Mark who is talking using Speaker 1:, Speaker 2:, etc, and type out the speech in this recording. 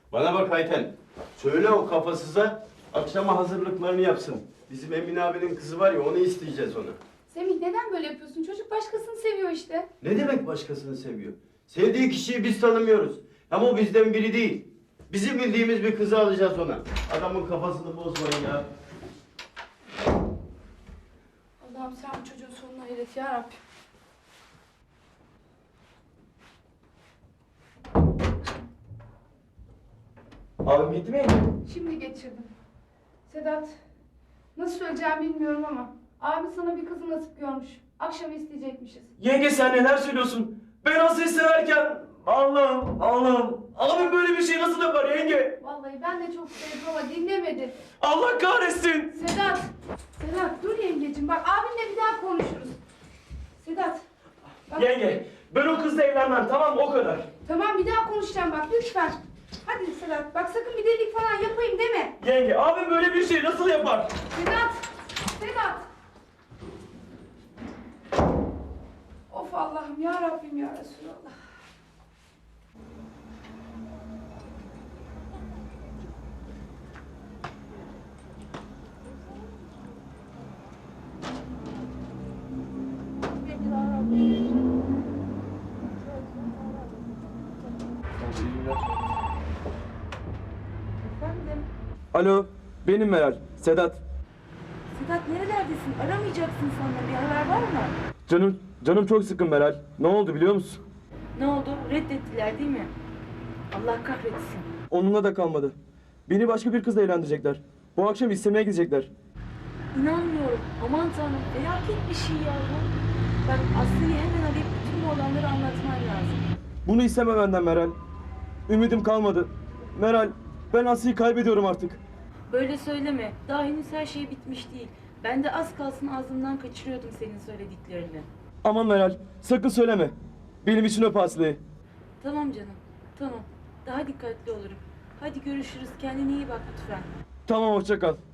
Speaker 1: Bana bak Ayten. Söyle o kafasıza akşama hazırlıklarını yapsın. Bizim Emin abinin kızı var ya onu isteyeceğiz ona.
Speaker 2: Semih neden böyle yapıyorsun? Çocuk başkasını seviyor işte.
Speaker 1: Ne demek başkasını seviyor? Sevdiği kişiyi biz tanımıyoruz. Ama o bizden biri değil. Bizim bildiğimiz bir kızı alacağız ona. Adamın kafasını bozmayın ya.
Speaker 2: Allah'ım sen bu çocuğun sonuna hayret ya Rabbim.
Speaker 3: Abim gitti mi?
Speaker 2: Şimdi geçirdim. Sedat, nasıl söyleyeceğimi bilmiyorum ama abi sana bir kızı nasip görmüş. Akşam isteyecekmişiz.
Speaker 3: Yenge sen neler söylüyorsun? Ben Asya'yı severken Allah'ım. Abim böyle bir şey nasıl yapar yenge?
Speaker 2: Vallahi ben de çok sevdim ama dinlemedi.
Speaker 3: Allah kahretsin.
Speaker 2: Sedat dur yengecim bak abinle bir daha konuşuruz. Sedat. Bak,
Speaker 3: Yenge ben o kızla evlenmem, tamam o kadar.
Speaker 2: tamam bir daha konuşacağım bak lütfen. Hadi Sedat bak sakın bir delilik falan yapayım deme.
Speaker 3: Yenge abim böyle bir şey nasıl yapar?
Speaker 2: Sedat. Of Allah'ım ya Rabbim ya Resulallah.
Speaker 4: Efendim?
Speaker 3: Alo benim Meral, Sedat.
Speaker 4: Sedat nerelerdesin? Aramayacaksın sonra. Bir haber var mı?
Speaker 3: Canım çok sıkın Meral. Ne oldu biliyor musun?
Speaker 4: Ne oldu? Reddettiler değil mi? Allah kahretsin.
Speaker 3: Onunla da kalmadı. Beni başka bir kızla evlendirecekler. Bu akşam istemeye gidecekler.
Speaker 4: İnanmıyorum. Aman tanrım. Felaket bir şey ya bu. Bak Aslı'yı hemen arayıp bütün bu olanları anlatman lazım.
Speaker 3: Bunu isteme benden Meral. Ümidim kalmadı. Meral, ben Aslı'yı kaybediyorum artık.
Speaker 4: Böyle söyleme. Daha henüz her şey bitmiş değil. Ben de az kalsın ağzımdan kaçırıyordum senin söylediklerini.
Speaker 3: Aman Meral, sakın söyleme. Benim için öp Aslı'yı.
Speaker 4: Tamam canım. Tamam. Daha dikkatli olurum. Hadi görüşürüz. Kendine iyi bak lütfen.
Speaker 3: Tamam, hoşça kal.